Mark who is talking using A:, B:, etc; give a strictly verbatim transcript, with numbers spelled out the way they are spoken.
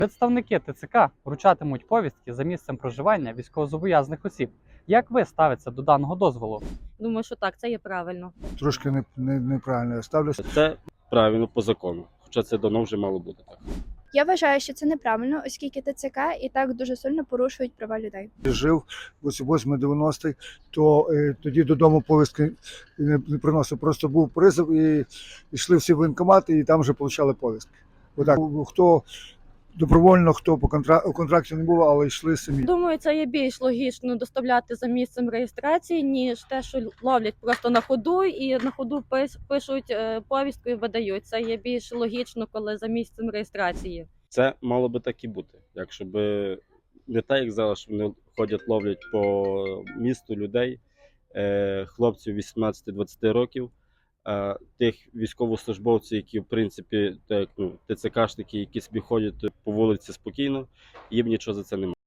A: Представники ТЦК вручатимуть повістки за місцем проживання військовозобов'язаних осіб. Як ви ставитеся до даного дозволу?
B: Думаю, що так, це є правильно.
C: Трошки не, не, неправильно я ставлюся.
D: Це правильно по закону, хоча це давно вже мало бути так.
E: Я вважаю, що це неправильно, оскільки ТЦК і так дуже сильно порушують права людей.
C: Жив восьмий-дев'яностий, то е, тоді додому повістки не, не приносив. Просто був призов і йшли всі в воєнкомати і там вже отримали повістки. Отак, хто добровольно, хто по контракту, у контракті не було, але йшли самі.
B: Думаю, це є більш логічно доставляти за місцем реєстрації, ніж те, що ловлять просто на ходу і на ходу пис- пишуть е, повістку і видають. Це є більш логічно, коли за місцем реєстрації.
D: Це мало би так і бути. Якщо би не так, як зараз, що вони ходять, ловлять по місту людей, е, хлопців вісімнадцяти-двадцяти років, е, тих військовослужбовців, які в принципі так, ну, ТЦКшники, які собі ходять по вулиці спокійно, їм нічого за це немає.